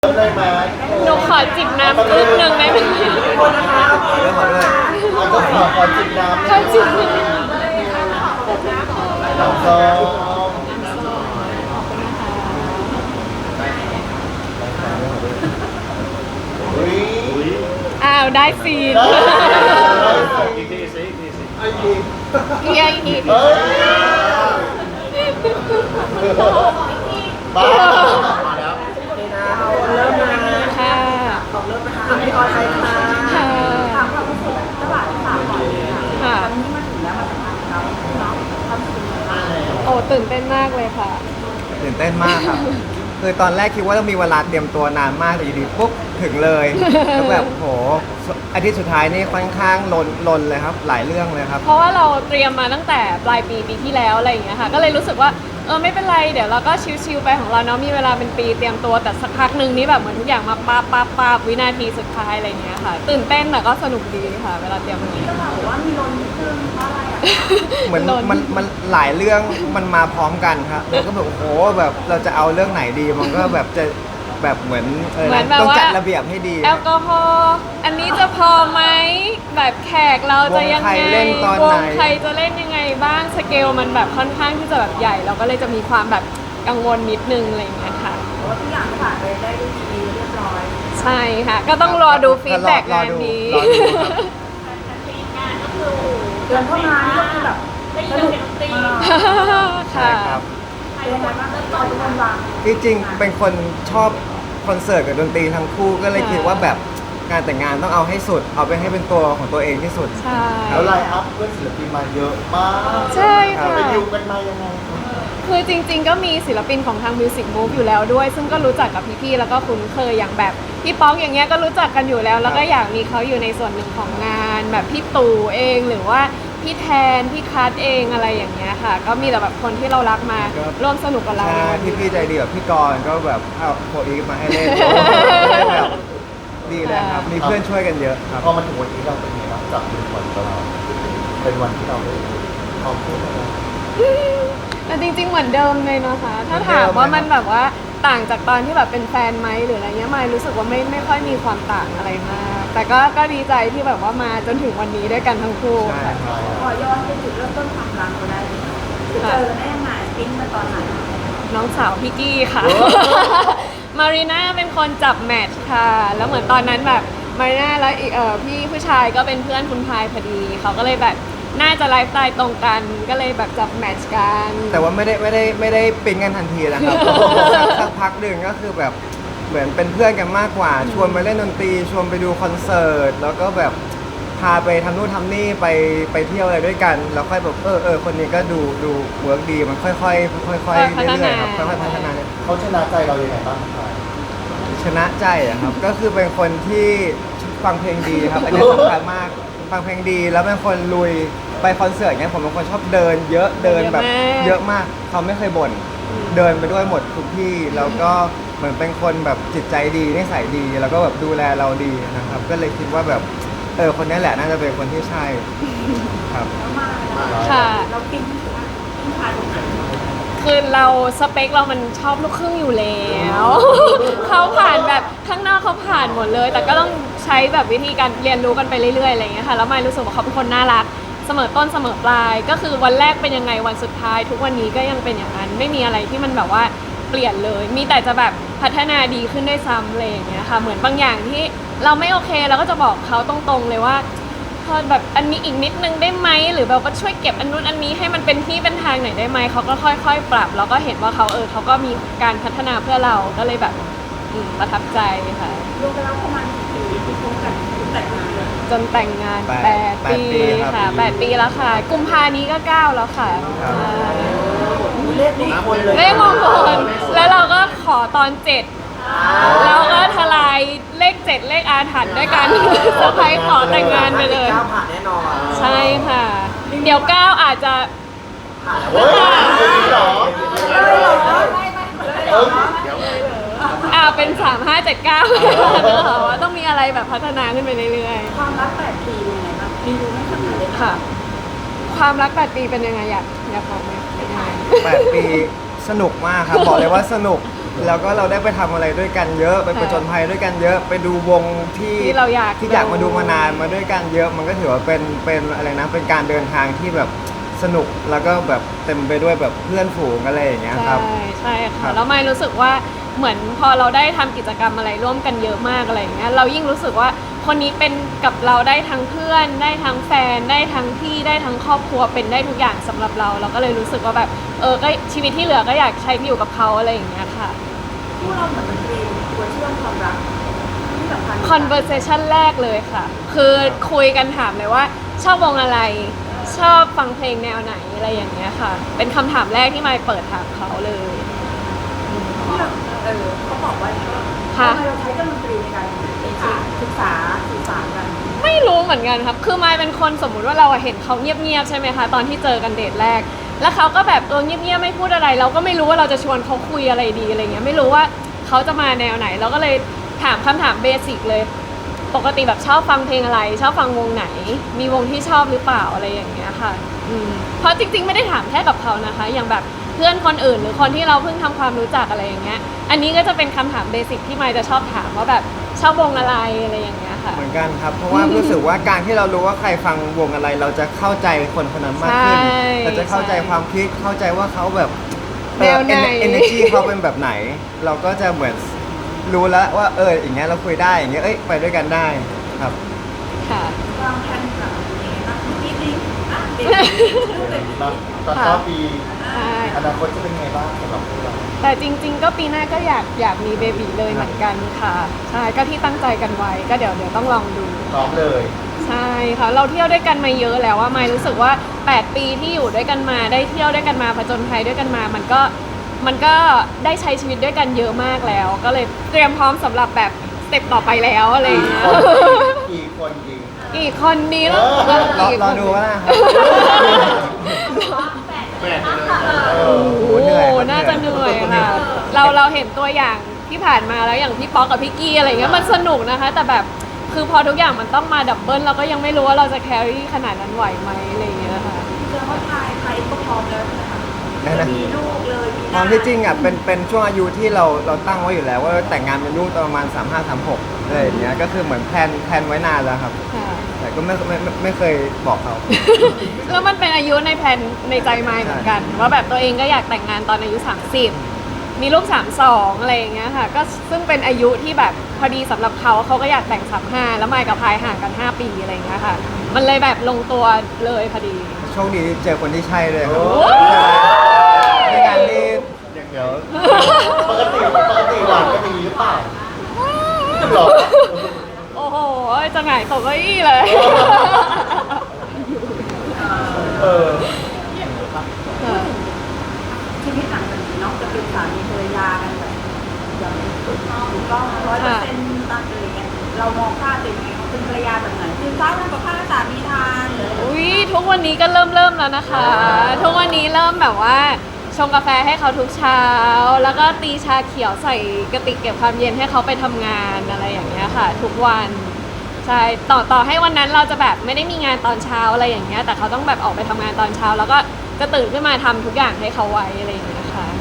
ได้ไหมหนูขอจิบน้ำครึ่งหนึ่งได้ไหมคนนะครับเรื่องของด้วยเราก็ขอจิบน้ำขอจิบน้ำน้ำส้มอุ้ยอ้าวได้ซีนอีกทีสิไอ้ทีอีกเฮ้ยบ้ามาแล้วเริ่มมาค่ะเริ่มนะคะพี่ออยใครคะค่ะถามความรู้สึกระหว่างสามก่อนเลยค่ะค่ะตอนนี้มาถึงแล้วมาสัมภาษณ์เราเนาะความรู้สึกยังไงบ้างโอ้ตื่นเต้นมากเลยค่ะตื่นเต้นมากครับ คือตอนแรกคิดว่าต้องมีเวลาเตรียมตัวนานมากแต่อยู่ดีปุ๊บถึงเลยแล้วแบบโหอาทิตย์สุดท้ายนี่ค่อนข้างลนเลยครับ หลายเรื่องเลยครับเพราะว่าเราเตรียมมาตั้งแต่ปลายปีที่แล้วอะไรอย่างเงี้ยค่ะ ก็เลยรู้สึกว่าไม่เป็นไรเดี๋ยวเราก็ชิลๆไปของเราเนาะมีเวลาเป็นปีเตรียมตัวแต่สักพักหนึ่งนี่แบบเหมือนทุกอย่างมาป๊าบวินาทีสุดท้ายอะไรอย่างเงี้ยค่ะ ตื่นเต้นแต่ก็สนุกดีค่ะ เวลาเตรียมมันก็บอกว่ามีลนนิดนึงเพราะอะไรอ่ะเหมือนมันหลายเรื่องมันมาพร้อมกันครับแล้วก็แบบโอ้โหแบบเราจะเอาเรื่องไหนดีมันก็แบบจะแบบเหมือนเหมือนแบบต้องว่าจัดระเบียบให้ดีแอลกอฮอล์อันนี้จะพอไหมแบบแขกเราจะยังไงวงใครเล่นตอนวไหนงใครจะเล่นยังไงบ้างสเกลมันแบบค่อนข้างที่จะแบบใหญ่ เราก็เลยจะมีความแบบกังวลนิดนึงอะไรอย่างเงี้ยค่ะเพราะว่าทุกอย่างผ่านไปได้ด้วยดีเรียบร้อยใช่ค่ะ ก็ต้องรอดูฟีดแบ็กงานนี้รอดูครับเดินเข้ามานี่ก็คือแบบสนุกมากใช่ค่ะครับเป็นยังไงบ้างตอนทุกคนวางที่จริงเป็นคนชอบคอนเสิร์ตกับดนตรีทั้งคู่ก็เลยคิดว่าแบบงานแต่งงานต้องเอาให้สุด เอาไปให้เป็นตัวของตัวเองที่สุดใช่แล้วไลน์อัพเพื่อนศิลปินมาเยอะมากใช่ค่ะไปดิวกันมายังไงคือจริงๆ ก็มีศิลปินของทาง Music Move อยู่แล้วด้วย ซึ่งก็รู้จักกับพี่ๆ แล้วก็คุ้นเคยอย่างแบบพี่ป๊อกอย่างเงี้ยก็รู้จักกันอยู่แล้ว แล้วก็อยากมีเขาอยู่ในส่วนหนึ่งของงาน แบบพี่ตู่เองหรือว่าพี่แทนพี่คัทเองอะไรอย่างเงี้ยค่ะ ก็มีแต่แบบคนที่เรารักมาครับร่วมสนุกกับเราใช่พี่ใจดีแบบพี่กรณ์ก็แบบเอาโคอีฟมาให้เล่นแบบดีเลยครับ มีเพื่อนช่วยกันเยอะครับพอมาถึงวันนี้เราเป็นไงบ้างจากเป็นวันของเราเป็นวันที่เราได้พร้อมพูดกันแต่จริงๆ เหมือนเดิมเลยนะคะ ถ้าเหมือนเดิมถามว่าไหมมันแบบว่าต่างจากตอนที่แบบเป็นแฟนไหมหรืออะไรเงี้ยไม่รู้สึกว่าไม่ค่อยมีความต่างอะไรมาก แต่ก็ดีใจที่แบบว่ามาจนถึงวันนี้ด้วยกันทั้งคู่ใช่ค่ะครับขอย้อนไปจุดเริ่มต้นความรักเราได้ไหมคือเจอได้ยังไงปิ้นมาตอนไหนน้องสาวพี่กี้ค่ะ มารีน่าเป็นคนจับแมทช์ค่ะ แล้วเหมือนตอนนั้นแบบมารีน่าแล้วอีกพี่ผู้ชายก็เป็นเพื่อนคุณพายพอดี เขาก็เลยแบบน่าจะไลฟ์สไตล์ตรงกัน ก็เลยแบบจับแมทช์กันแต่ว่าไม่ได้ปิ๊งกันทันทีนะครับ สักพักหนึ่งก็คือแบบเหมือนเป็นเพื่อนกันมากกว่า ชวนไปเล่นดนตรีชวนไปดูคอนเสิร์ตแล้วก็แบบพาไปทำนู่นทำนี่ไปเที่ยวอะไรด้วยกัน แล้วค่อยแบบคนนี้ก็ดูเวิร์กดีมันค่อยๆเรื่อยๆครับค่อยๆพัฒนาเขาชนะใจเรายังไงบ้างครับชนะใจอะครับ ก็คือเป็นคนที่ฟังเพลงดีครับ อันนี้สำคัญมากฟังเพลงดีแล้วเป็นคนลุยไปคอนเสิร์ตเนี้ยผมเป็นคนชอบเดินเยอะเดินแบบเยอะมากเขาไม่เคยบ่นเดินไปด้วยหมดทุกที่แล้วก็เหมือนเป็นคนแบบจิตใจดีนิสัยดี แล้วก็แบบดูแลเราดีนะครับ ก็เลยคิดว่าแบบคนนี้แหละน่าจะเป็นคนที่ใช่ครับแล้วมาค่ะเราปิ้นผ่านตรงไหนคือเราสเปคเรามันชอบลูกครึ่งอยู่แล้ว เขาผ่านแบบข้างนอกเขาผ่านหมดเลย แต่ก็ต้องใช้แบบวิธีการเรียนรู้กันไปเรื่อยๆอะไรอย่างเงี้ยค่ะแล้วไม่รู้สึกว่าเขาเป็นคนน่ารักเสมอต้นเสมอปลาย ก็คือวันแรกเป็นยังไงวันสุดท้าย ทุกวันนี้ก็ยังเป็นอย่างนั้นไม่มีอะไรที่มันแบบว่าเปลี่ยนเลย มีแต่จะแบบพัฒนาดีขึ้นด้วยซ้ำอะไรอย่างเงี้ยค่ะเหมือนบางอย่างที่เราไม่โอเคเราก็จะบอกเขาตรงๆเลยว่า พอแบบอันนี้อีกนิดนึงได้ไหมหรือแบบว่าช่วยเก็บอันนู้นอันนี้ให้มันเป็นที่เป็นทางหน่อยได้ไหมเขาก็ค่อยๆ ปรับแล้วก็เห็นว่าเขาก็มีการพัฒนาเพื่อเราก็เลยแบบประทับใจค่ะรวมกันแล้วประมาณกี่ปีที่คบกันแต่งงานเลยจนแต่งงานแปด 8 ปีปีครับค่ะ8 ปีแล้วค่ะ กุมภานี้ก็ 9 แล้วค่ะครับใช่เลขมงคลเลยเลขมงคลแล้วเราก็ขอตอน 7เราก็ทลายเลข 7 เลขอาถรรพ์ด้วยกันเซอร์ไพรส์ขอแต่งงานไปเลยก้าวผ่านแน่นอนใช่ค่ะ เดี๋ยว 9 อาจจะเฮ้ยจริงเหรอเป็น 3 5 7 9ว่าต้องมีอะไรแบบพัฒนาขึ้นไปเรื่อยความรัก8 ปีเป็นยังไงบ้างรีวิวไม่ขนาดเลยๆ ค่ะ ความรัก 8 ปีเป็นยังไงอยากบอกไหมเป็นยังไง 8 ปีสนุกมากครับ บอกเลยว่าสนุกแล้วก็เราได้ไปทำอะไรด้วยกันเยอะไปผจญภัยด้วยกันเยอะ ไปดูวงที่ที่เราอยากที่อยากมาดูมานานมาด้วยกันเยอะ มันก็ถือว่าเป็นอะไรนะเป็นการเดินทางที่แบบสนุกแล้วก็แบบเต็มไปด้วยแบบเพื่อนฝูงอะไรอย่างเงี้ยครับใช่ครัค่ะบแล้วไม่รู้สึกว่าเหมือนพอเราได้ทำกิจกรรมอะไรร่วมกันเยอะมากอะไรอย่างเงี้ยเรายิ่งรู้สึกว่าคนนี้เป็นกับเราได้ทั้งเพื่อน ได้ทั้งแฟนได้ทั้งพี่ได้ทั้งครอบครัวเป็นได้ทุกอย่างสำหรับเราก็เลยรู้สึกว่าแบบก็ชีวิตที่เหลือก็อยากใช้ที่อยู่กับเขาอะไรอย่างเงี้ยค่ะคู่เราเหมือนมันเป็นตัวเชื่อมความรักที่สำคัญ conversation แรกเลยค่ะ คือคุยกันถามเลยว่าชอบวงอะไร ชอบฟังเพลงแนวไหนอะไรอย่างเงี้ยค่ะ เป็นคำถามแรกที่มายเปิดถามเขาเลยที่เราเขาบอกว่าค่ะทำไมเราใช้เครื่องดนตรีในการศึกษาสื่อสารกันไม่รู้เหมือนกันครับ คือมายเป็นคนสมมุติว่าเราเห็นเขาเงียบๆใช่ไหมคะ ตอนที่เจอกันเดทแรก แล้วเขาก็แบบเงียบๆไม่พูดอะไร เราก็ไม่รู้ว่าเราจะชวนเขาคุยอะไรดีอะไรเงี้ย ไม่รู้ว่าเขาจะมาแนวไหน เราก็เลยถามคำถามเบสิกเลย ปกติแบบชอบฟังเพลงอะไร ชอบฟังวงไหน มีวงที่ชอบหรือเปล่าอะไรอย่างเงี้ยค่ะเพราะจริงๆไม่ได้ถามแค่กับเขานะคะ อย่างแบบเพื่อนคนอื่นหรือคนที่เราเพิ่งทำความรู้จักอะไรอย่างเงี้ย อันนี้ก็จะเป็นคำถามเบสิกที่มายจะชอบถามว่าแบบชอบวงอะไรอะไรอย่างเงี้ยค่ะเหมือนกันครับ เพราะว่ารู้สึกว่าการที่เรารู้ว่าใครฟังวงอะไร เราจะเข้าใจคนคนนั้นมากขึ้นใช่เราจะเข้าใจความคิดเข้าใจว่าเขาแบบแนวไหน energy เขาเป็นแบบไหน เราก็จะเหมือนรู้แล้วว่าอย่างเงี้ยเราคุยได้อย่างเงี้ยไปด้วยกันได้ครับค่ะวางแผนแบบยังไงบ้างนิดนึงอ่ะเด็กตอนต้นปีใช่อนาคตจะเป็นไงบ้างสำหรับพวกเราแต่จริง ๆ ก็ปีหน้าก็อยากมีเบบีเลยเหมือนกันค่ะ ใช่ก็ที่ตั้งใจกันไว้ก็เดี๋ยวต้องลองดูพร้อมเลยใช่ค่ะเราเที่ยวด้วยกันมาเยอะแล้วว่าไม่รู้สึกว่า 8 ปีที่อยู่ด้วยกันมาได้เที่ยวด้วยกันมาผจญภัยด้วยกันมามันก็ได้ใช้ชีวิตด้วยกันเยอะมากแล้ว ก็เลยเตรียมพร้อมสำหรับแบบสเต็ปต่อไปแล้วอะไรอย่างเงี้ยกี่คนจริงอีกคนนี้แล้วรอดูว่านะครับแปดเลยโอ้โหเหนื่อยครับน่าจะเหนื่อยค่ะเราเห็นตัวอย่างที่ผ่านมาแล้วอย่างพี่ป๊อกกับพี่กี้อะไรเงี้ยมันสนุกนะคะ แต่แบบคือพอทุกอย่างมันต้องมาดับเบิลเราก็ยังไม่รู้ว่าเราจะแครี่ขนาดนั้นไหวไหมอะไรอย่างเงี้ยค่ะแสดงว่าไทยก็พร้อมแล้วใช่ไหมคะได้นะมีลูกเลยมีความที่จริงอ่ะเป็นช่วงอายุที่เราตั้งไว้อยู่แล้วว่าแต่งงานเป็นลูกตอนประมาณ35-36อะไรอย่างเงี้ยก็คือเหมือนแพลนไว้นานแล้วครับค่ะแต่ก็ไม่เคยบอกเขาแล้วมันเป็นอายุในแผนในใจมายเหมือนกัน ว่าแบบตัวเองก็อยากแต่งงานตอนอายุ 30 มีลูก 32 อะไรอย่างเงี้ยค่ะก็ซึ่งเป็นอายุที่แบบพอดีสำหรับเขาก็อยากแต่ง 35 แล้วมายกับพายห่างกัน 5 ปีอะไรอย่างเงี้ยค่ะ มันเลยแบบลงตัวเลยพอดีโชคดีที่เจอคนที่ใช่เลยครับโอ้ยในงานที่เดี๋ยวปกติหวานก็ดีหรือเปล่าหรอโอ้โหจะหงายตกเก้าอี้เลยเออชีวิตหลังจากนี้เนาะจะเป็นสามีภรรยากันแบบอย่างถูกต้อง100%ตั้งอะไรเงี้ยเรามองค่าตัวเองไงเขาเป็นภรรยาแบบไหนคือข้าวทำกับข้าวให้สามีทานหรืออะไรอุ้ยทุกวันนี้ก็เริ่มแล้วนะคะ ทุกวันนี้เริ่มแบบว่าชงกาแฟให้เขาทุกเช้า แล้วก็ตีชาเขียวใส่กระติกเก็บความเย็นให้เขาไปทำงานอะไรอย่างเงี้ยค่ะ ทุกวันใช่ต่อให้วันนั้นเราจะแบบไม่ได้มีงานตอนเช้าอะไรอย่างเงี้ยแต่เขาต้องแบบออกไปทำงานตอนเช้า แล้วก็จะตื่นขึ้นมาทำทุกอย่างให้เขาไว้อะไรอย่างเงี้ยค่ะ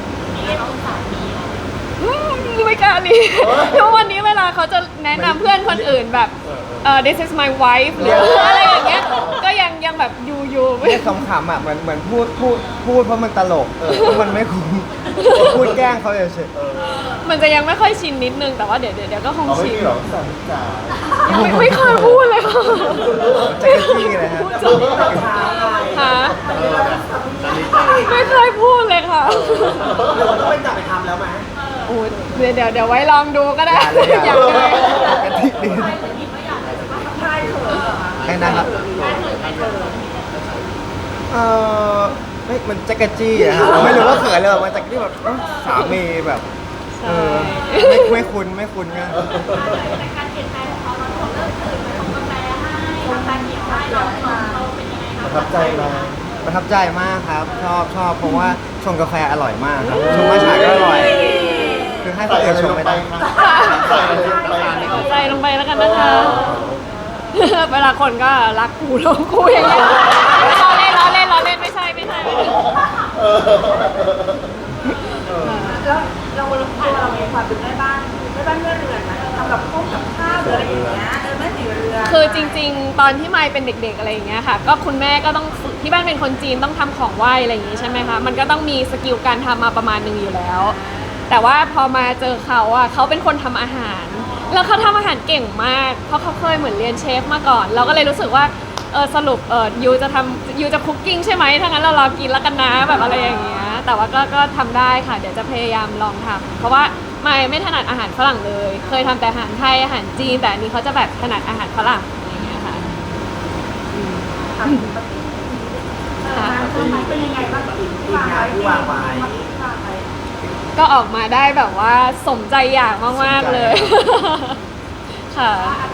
ไม่กล้าลีทุกวันนี้เวลาเขาจะแนะนำเพื่อนคนอื่นแบบthis is my wife หรืออะไรอย่างเงี้ยก็ยังแบบอยู่ไม่เนี่ยขำๆอ่ะเหมือนพูดเพราะมันตลกเพราะมันไม่คุ้มพูดแกล้งเขาเฉยมันจะยังไม่ค่อยชินนิดนึงแต่ว่าเดี๋ยวก็คงเอาไม่ชินมีหรอกสามีจ๋ายังไม่เคยพูดเลยค่ะๆใจกระจี้เลยฮะฮะไม่เคยพูดเลยค่ะต้องไปจับไปทำแล้วไหมโอ้ยเดี๋ยวไว้ลองดูก็ได้อย่าเลยอยากเลยกระติกดีใช่เถอะให้นะครับไม่มันจักรจี้อะครับไม่รู้ว่าเขินเลยแบบมันจักรจี้แบบสามีแบบใช่ไม่คุ้นไงประทับใจไหมประทับใจมากครับ ชอบเพราะว่าชงกาแฟอร่อยมากครับชงมาฉายก็อร่อย คือให้คนอื่นชงไม่ได้ใส่อะไรลงไปเอาใจลงไปแล้วกันนะคะ เวลาคนก็รักกูลงกูอย่างเงี้ยล้อเล่นไม่ใช่แล้วเราเรามีความเป็นแม่บ้านแม่เรือนนะทำกับข้าวหรืออะไรอย่างเงี้ยแม่สีเรือนคือจริงๆ ตอนที่มายเป็นเด็กๆอะไรอย่างเงี้ยค่ะก็คุณแม่ก็ต้องฝึกที่บ้านเป็นคนจีนต้องทำของไหว้อะไรอย่างงี้ใช่ไหมคะมันก็ต้องมีสกิลการทำมาประมาณหนึงอยู่แล้ว แต่ว่าพอมาเจอเขาอ่ะเขาเป็นคนทำอาหาร แล้วเขาทำอาหารเก่งมากเพราะเขาเคยเหมือนเรียนเชฟมาก่อน เราก็เลยรู้สึกว่าสรุปยูจะคุกกิ้งใช่ไหมถ้างั้นเรารอกินแล้วกันนะแบบอะไรอย่างเงี้ยแต่ว่าก็ทำได้ค่ะเดี๋ยวจะพยายามลองทำเพราะว่าไม่ถนัดอาหารฝรั่งเลย เคยทำแต่อาหารไทยอาหารจีนแต่อันนี้เขาจะแบบถนัดอาหารฝรั่งอะไรอย่างเงี้ยค่ะทำปาร์ตี้เป็นยังไงบ้างกับอีกที่วางไว้ก็ออกมาได้แบบว่าสมใจอยากมากๆเลย ค่ะ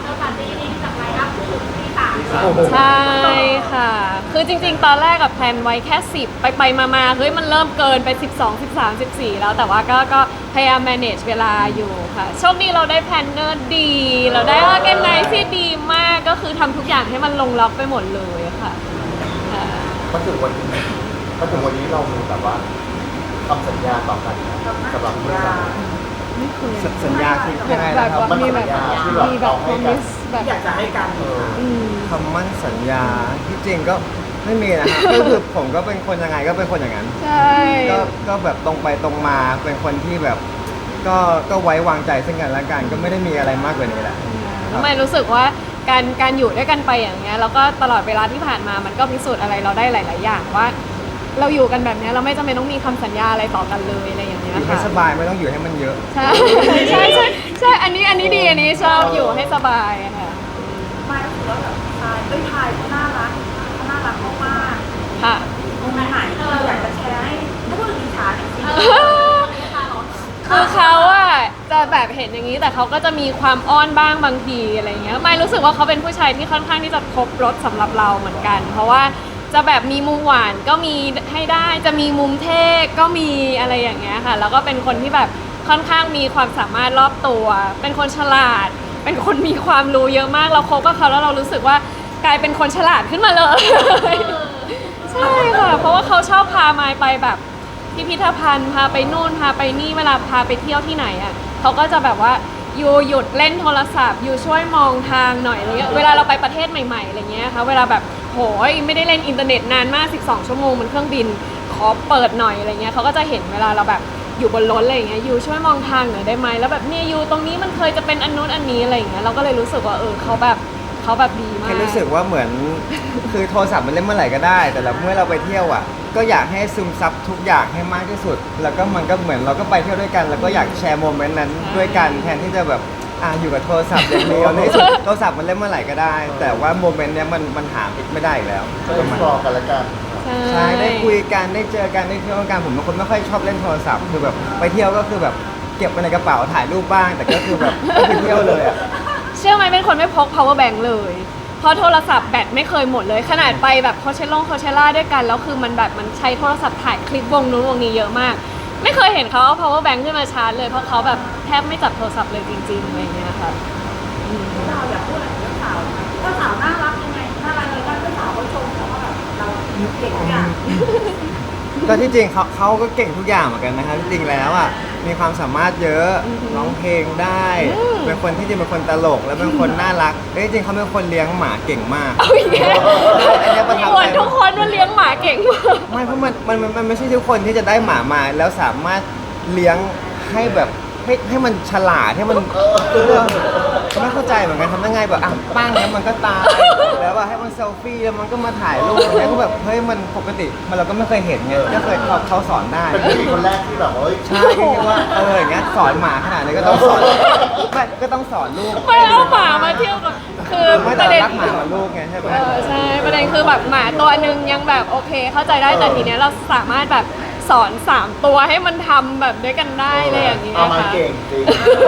โอ้โหใช่ค่ะ คือจริงๆ ตอนแรกกับแพลนไว้แค่ 10 ไปมาเฮ้ยมันเริ่มเกินไป 12 13 14 แล้วแต่ว่าก็พยายาม manage เวลาอยู่ค่ะ โชคดีเราได้แพลนเนอร์ดี เราได้ organize ที่ดีมากก็คือทำทุกอย่างให้มันลงล็อกไปหมดเลยค่ะค่ะมาถึงวันนี้เรามีแบบว่าคำสัญญาต่อกันนะสำหรับเพื่อนไม่เคยสัญญาคือยังไงแบนะบครับว่ามีแบบมีแบบ promise แบบอยากจะให้กันอืมคำมั่นสัญญาที่จริงก็ไม่มีนะครับ ก็คือผมก็เป็นคนยังไงก็เป็นคนอย่างนั้นใช่ก็แบบตรงไปตรงมาเป็นคนที่แบบก็ไว้วางใจซึ่งกันและกันก็ไม่ได้มีอะไรมากกว่านี้แหละแล้วไม่รู้สึกว่าการอยู่ด้วยกันไปอย่างเงี้ยแล้วก็ตลอดเวลาที่ผ่านมามันก็พิสูจน์อะไรเราได้หลาย ๆ อย่างว่า เราอยู่กันแบบเนี้ยเราไม่จำเป็นต้องมีคำสัญญาอะไรต่อกันเลยอะไรอย่างเงี้อย ยู่ให้ค่ะสบายไม่ต้องอยู่ให้มันเยอะใช่ใช่อันนี้ดีอันนี้ชอบอยู่ให้สบายค่ะไม่รู้สึกว่าแบบทายเขาน่ารักมากค่ะๆตรงไหนอยากจะแชร์ให้ถ้าพูดถึงอิจฉาจริงคือเขาอะจะแบบเห็นอย่างนี้แต่เขาก็จะมีความอ้อนบ้างบางทีอะไรเงี้ยไม่รู้สึกว่าเขาเป็นผู้ชายที่ค่อนข้างที่จะครบรสสำหรับเราเหมือนกัน เพราะว่าจะแบบมีมุมหวานก็มีให้ได้จะมีมุมเท่ก็มีอะไรอย่างเงี้ยค่ะแล้วก็เป็นคนที่แบบค่อนข้างมีความสามารถรอบตัว เป็นคนฉลาด เป็นคนมีความรู้เยอะมากเราคบกับเขาแล้วเรารู้สึกว่ากลายเป็นคนฉลาดขึ้นมาเลย ใช่ค่ะเพราะว่าเขาชอบพามายไปแบบพิพิธภัณฑ์พาไปนู่นพาไปนี่เวลาพาไปเที่ยวที่ไหนอ่ะเขาก็จะแบบว่ายูหยุดเล่นโทรศัพท์ยูช่วยมองทางหน่อยอะไรเงี้ยเวลาเราไปประเทศใหม่ๆอะไรเงี้ยค่ะเวลาแบบโหยไม่ได้เล่นอินเทอร์เน็ตนานมาก12 ชั่วโมงบนเครื่องบินขอเปิดหน่อยอะไรเงี้ยเขาก็จะเห็นเวลาเราแบบอยู่บนรถอะไรเงี้ยยูช่วยมองทางหน่อยได้ไหมแล้วแบบเนี่ยยูตรงนี้มันเคยจะเป็นอันนู้นอันนี้อะไรเงี้ยเราก็เลยรู้สึกว่าเขาแบบดีมากแค่รู้สึกว่าเหมือน คือโทรศัพท์มันเล่นเมื่อไหร่ก็ได้ แต่เมื่อเราไปเที่ยวอ่ะก็อยากให้ซึมซับทุกอย่างให้มากที่สุด แล้วก็มันก็เหมือนเราก็ไปเที่ยวด้วยกัน แล้วก็อยากแชร์โมเมนต์นั้นด้วยกันแทนที่จะแบบอยู่กับโทรศัพท์อย่างเดียวในที่สุดโทรศัพท์มันเล่นเมื่อไหร่ก็ได้ แต่ว่าโมเมนต์เนี้ยมันหาไม่ได้อีกแล้วก็เอ็กซ์พลอร์กันละกันใช่ได้คุยกันได้เจอกันได้เที่ยวกันผมเป็นคนไม่ค่อยชอบเล่นโทรศัพท์คือแบบไปเที่ยวก็คือแบบเก็บไปในกระเป๋าถ่ายรูปบ้าง แต่ก็คือแบบก็คือเที่ยวเลยอ่ะเชื่อไหมเป็นคนไม่พก power bank เลย เพราะโทรศัพท์แบตไม่เคยหมดเลย ขนาดไปแบบโคเชล่าด้วยกัน แล้วคือมันแบบมันใช้โทรศัพท์ถ่ายคลิปวงนู้นวงนี้เยอะมาก ไม่เคยเห็นเขาเอา power bank ขึ้นมาชาร์จเลย เพราะเขาแบบแทบไม่จับโทรศัพท์เลยจริงๆอะไรอย่างเงี้ยค่ะๆเราอยากพูดอะไรถึงเจ้าสาวน่ารักยังไงน่ารักเลยเจ้าสาวเขาชมเขาว่าแบบเราเก่งทุกอย่างก็ที่จริงเขาก็เก่งทุกอย่างเหมือนกันนะครับที่จริงแล้วอ่ะมีความสามารถเยอะร้องเพลงได้ เป็นคนที่จริงเป็นคนตลกแล้วเป็นคนน่ารักจริงเขาเป็นคนเลี้ยงหมาเก่งมากเอาอีกแล้วอันเนี้ยประทับอใจวดทุกคนว่าเลี้ยงหมาเก่งมากไม่เพราะมันไม่ใช่ทุกคนที่จะได้หมามาแล้วสามารถเลี้ยงให้แบบให้มันฉลาดให้มันไม่เข้าใจเหมือนกันทำยังไงแบบปั้งแล้วมันก็ตายแล้วว่าให้มันเซลฟี่แล้วมันก็มาถ่ายรูปแล้วก็แบบเฮ้ยมันปกติเราก็ไม่เคยเห็นไงก็เคยเขาสอนได้เป็นผู้หญิงคนแรกที่แบบว่าเฮ้ยใช่คิดว่าอย่างเงี้ยสอนหมาขนาดนี้ก็ต้องสอนไม่ก็ต้องสอนลูกไม่เอาหมามาเที่ยวกับคือไม่ปแต่ระเด็นรักหมาเหมือนลูกไงใช่ไหมใช่ประเด็นคือแบบหมาตัวหนึ่งยังแบบโอเค เข้าใจได้แต่ทีเนี้ยเราสามารถแบบสอน3 ตัวให้มันทำแบบด้วยกันได้เลยอย่างเงี้ยเอามาค่ะเก่งจริง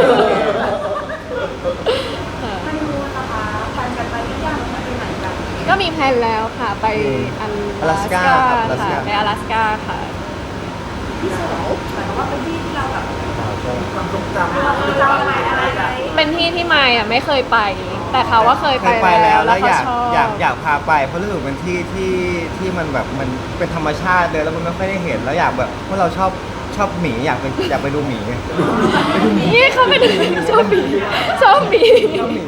ไม่รู้นะคะแฟนกันไปหรือยังไม่ไปไหนกันก็มีแพลนแล้วค่ะไปอลาสกาค่ะไปอลาสกาค่ะที่สวยหมายความว่าเป็นที่ที่เราแบบความทรงจำเราเจ้าอะไรอะไรเป็นที่ที่มายอ่ะไม่เคยไป แต่เขาว่าเคยเคไปยไปแล้วแล้วเขาอยากชอบอยากพาไปเพราะรู้สึกเป็นที่ที่มันแบบมันเป็นธรรมชาติเลยแล้วมันไม่ค่อยได้เห็นแล้วอยากแบบเพราะเราชอบชอบหมีอยากไปดูหมีไงนี่เขาเป็นชอบหมีชอบหมีชอบหมี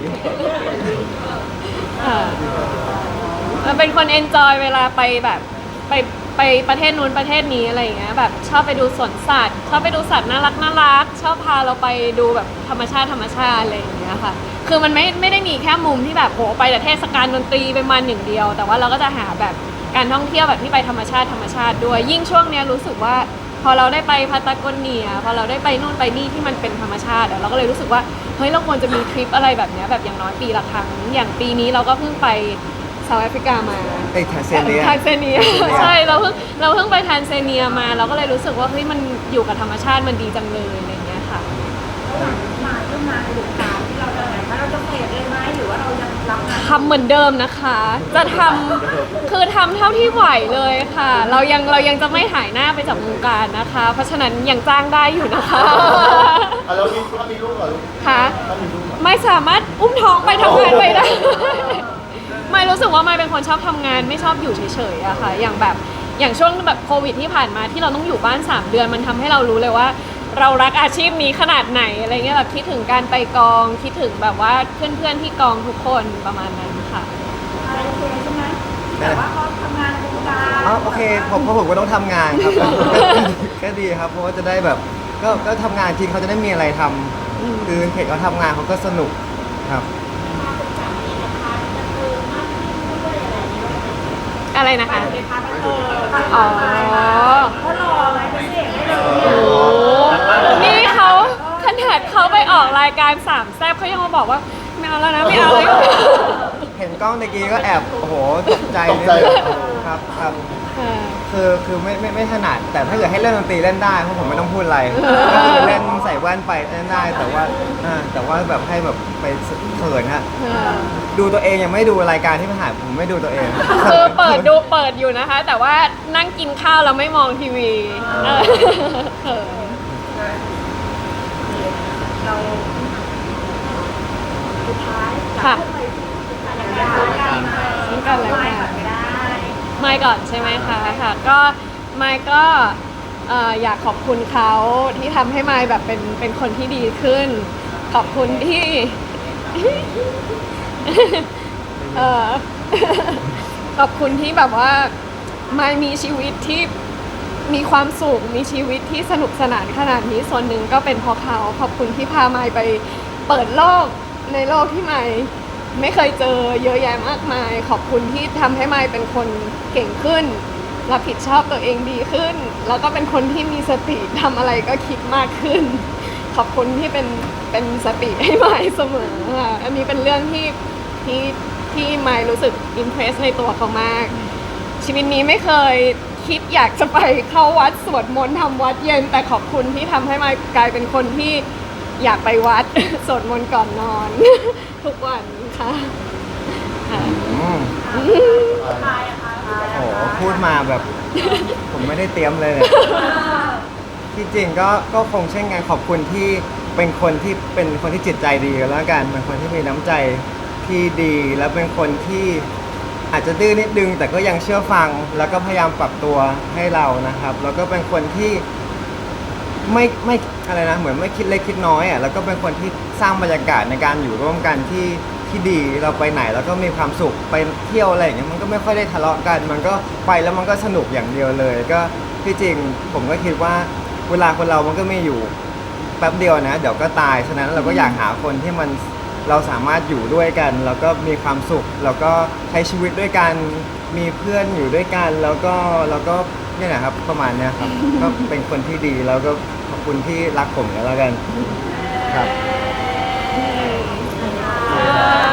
ค่ะเราเป็นคนเอนจอยเวลาไปแบบไปประเทศนู้นประเทศนี้อะไรอย่างเงี้ยแบบชอบไปดูสวนสัตว์ชอบไปดูสัตว์น่ารักชอบพาเราไปดูแบบธรรมชาติอะไรอย่างเงี้ยค่ะคือมันไม่ได้มีแค่มุมที่แบบโหไปแต่เทศกาลดนตรีเป็นวันหนึ่งเดียว แต่ว่าเราก็จะหาแบบการท่องเที่ยวแบบที่ไปธรรมชาติด้วยยิ่งช่วงเนี้ยรู้สึกว่าพอเราได้ไปพาตาโกเนียพอเราได้ไปนู่นไปนี่ที่มันเป็นธรรมชาติเราก็เลยรู้สึกว่าเฮ้ยเราควรจะมีทริปอะไรแบบเนี้ยแบบอย่างน้อยปีละครั้งอย่างปีนี้เราก็เพิ่งไปเซาท์แอฟริกามาไอ้แทนเซเนียทานเซเนียใช่เราเพิ่งไปทานเซเนียมาเราก็เลยรู้สึกว่าเฮ้ยมันอยู่กับธรรมชาติมันดีจังเลยอะไรอย่างเงี้ยค่ะระหว่างที่มาเรื่องงานในวงการที่เราจะไหนคะเราจะเปลี่ยนเลยไหมหรือว่าเรายังรับงานทำเหมือนเดิมนะคะ จะทำคือทำเท่าที่ไหวเลยค่ะ เรายังจะไม่หายหน้าไปจากวงการนะคะ เพราะฉะนั้นยังจ้างได้อยู่นะคะแล้วถ้ามีลูกเหรอลูกค่ะถ้ามีลูกเหรอไม่สามารถอุ้มท้องไปทำงานไปได้ ไม่รู้สึกว่าไม่เป็นคนชอบทำงานไม่ชอบอยู่เฉยๆอะค่ะ อย่างช่วงแบบโควิดที่ผ่านมาที่เราต้องอยู่บ้าน3 เดือนมันทำให้เรารู้เลยว่า เรารักอาชีพนี้ขนาดไหนอะไรเงี้ยแบบคิดถึงการไปกองคิดถึงแบบว่าเพื่อนๆที่กองทุกคนประมาณนั้นค่ะอะไรโอเคใช่ไหมแต่ว่าเขาทำงานในวงการอ๋อโอเคผมก็ต้องทำงานครับ ก็ดีครับเพราะว่าจะได้แบบก็ทำงานที่เขาจะได้มีอะไรทำคือเห็นเขาทำงานเขาก็สนุกครับอะไรนะคะในพาร์ทบันเทิงอ๋อเพราะรออะไรเป็นเด็กได้เลยโอ้นี่เขาขนาดเขาไปออกรายการ3 แซ่บเขายังมาบอกว่าไม่เอาแล้วนะไม่เอาเลยเห็นกล้องตะกี้ก็แอบโอ้โหตกใจนิดนึงครับคือไม่ถนัดแต่ถ้าเกิดให้เล่นดนตรีเล่นได้เพราะผมไม่ต้องพูดอะไรก็คือเล่นใส่แว่นไปเล่นได้แต่ว่าแบบให้แบบไปเขินฮะดูตัวเองยังไม่ดูรายการที่ผ่านผมไม่ดูตัวเองคือเปิดอยู่นะคะ แต่ว่านั่งกินข้าวแล้วไม่มองทีวีเออเขินเราสุดท้ายค่ะจากสัญญากันมาซึ่งกันและกันไม่ก่อนไม่ได้ไม่ก่อนใช่ไหมคะค่ะก็ไม่ก็อยากขอบคุณเขาที่ทำให้ไม่แบบเป็นคนที่ดีขึ้น ขอบคุณที่ ขอบคุณที่แบบว่าไม่มีชีวิตที่มีความสุขมีชีวิตที่สนุกสนานขนาดนี้ส่วนหนึ่งก็เป็นเพราะเขาขอบคุณที่พาไม่ไปเปิดโลกในโลกที่ไม่ไม่เคยเจอเยอะแยะมากมาย ขอบคุณที่ทำให้ไม่เป็นคนเก่งขึ้นรับผิดชอบตัวเองดีขึ้น แล้วก็เป็นคนที่มีสติทำอะไรก็คิดมากขึ้น ขอบคุณที่เป็นสติให้ไม่เสมอค่ะอันนี้เป็นเรื่องที่ไม่รู้สึกอิมเพรสในตัวเขามาก ชีวิตนี้ไม่เคยคิดอยากจะไปเข้าวัดสวดมนต์ทำวัดเย็น แต่ขอบคุณที่ทำให้มากลายเป็นคนที่อยากไปวัด สวดมนต์ก่อนนอน ทุกวันค่ะค่ะโอ้โหพูดมาแบบ ผมไม่ได้เตรียมเลยเนี่ยที่จริงก็คงเช่นกันขอบคุณที่เป็นคนที่จิตใจดีกันแล้วกันเป็นคนที่มีน้ำใจที่ดีแล้วเป็นคนที่อาจจะดื้อนิดนึงแต่ก็ยังเชื่อฟังแล้วก็พยายามปรับตัวให้เรานะครับแล้วก็เป็นคนที่ไม่อะไรนะเหมือนไม่คิดเล็กคิดน้อยอ่ะแล้วก็เป็นคนที่สร้างบรรยากาศในการอยู่ร่วมกันที่ดีเราไปไหนแล้วก็มีความสุขไปเที่ยวอะไรอย่างเงี้ยมันก็ไม่ค่อยได้ทะเลาะกันมันก็ไปแล้วมันก็สนุกอย่างเดียวเลยก็ที่จริงผมก็คิดว่าเวลาคนเรามันก็มีอยู่แป๊บเดียวนะเดี๋ยวก็ตายฉะนั้นเราก็อยากหาคนที่มันเราสามารถอยู่ด้วยกันแล้วก็มีความสุขแล้วก็ใช้ชีวิตด้วยกันมีเพื่อนอยู่ด้วยกันแล้วก็เนี่ยนะครับประมาณเนี้ยครับ ก็เป็นคนที่ดีแล้วก็ขอบคุณที่รักผมกันแล้วกันครับค่ะ